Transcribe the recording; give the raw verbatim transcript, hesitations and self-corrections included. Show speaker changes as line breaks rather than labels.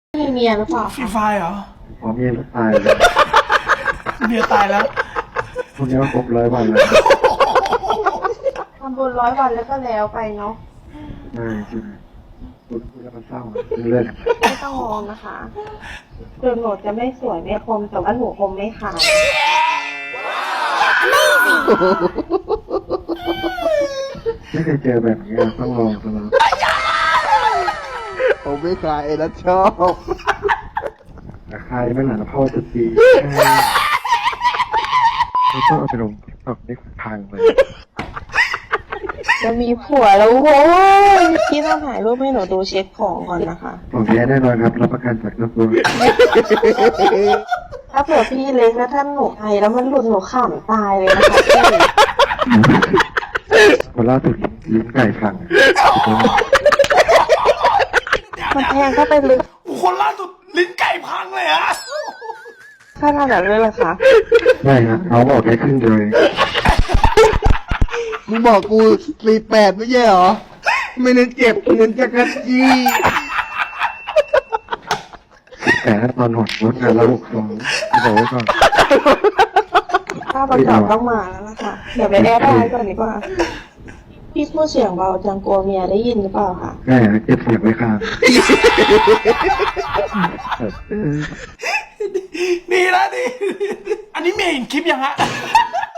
มีเมียหรือเปล่า
ฟรีไฟเหรอ
อ๋อเมียตายแล้ว
เมียตายแล้ว
คนนี้ว่าครบร้อยวันแล้ว
ทำบุญร้อยวันแล้วก็แล้วไปเนาะ
ใช่ใช่คุณคุณแล้วมันเศร้าเรื่อง
ไม่ต้องมองนะคะคือหนูจะไม่สวยไม่คมแต่ว่าหนูคมไม่ขาด
ไม่เคยเจอแบบนี้ต้องลองตลอด
ผมไม่ขายแล้วชอบ
ราคาไม่หนาพ่อจะตีไม่ต้องเอาไปลงติ๊กต็อกได้พังเลย
จะมีผัวแล้วโว้ยพี่ต้องถ่ายรูปให้หนูดูเช็คของก่อนนะคะ
ของแท้แน่นอนครับรับประกันจากตัว
ถ้าเผื่อพี่เล็กแล้วท่านหนูไอแล้วมันหลุดหนูขำตายเลยนะคะพี่
คนล่าสุดลิ้นไก่พัง
มันแทงเข้าไปลึก
คนล่าสุดลิ้นไก่พังเลยฮะ
ขนาดนั้นเลยเหรอคะ
ไม่ฮะเขาบอกแค่ครึ่งเดียวเอง
มึงบอกกูสี่แปดไม่ใช่เหรอ ไม่เน้นเจ็บเน้นจักรจี้
แต่ถ้าตอนหดรถงานละหกสองบอกไว้ก่อน
ถ้าประกอบต้องมาแล้วล่ะค่ะเดี๋ยวไปแอร์ได้ก่อนดีกว่าพี่พูดเสียงเบาจังกลัวเมียได้ยินหรือเปล่าคะ
แม่เก็บเสียงไว้ข้าง
ดีแล้วดี อันนี้เมียเห็นคลิปยังฮะ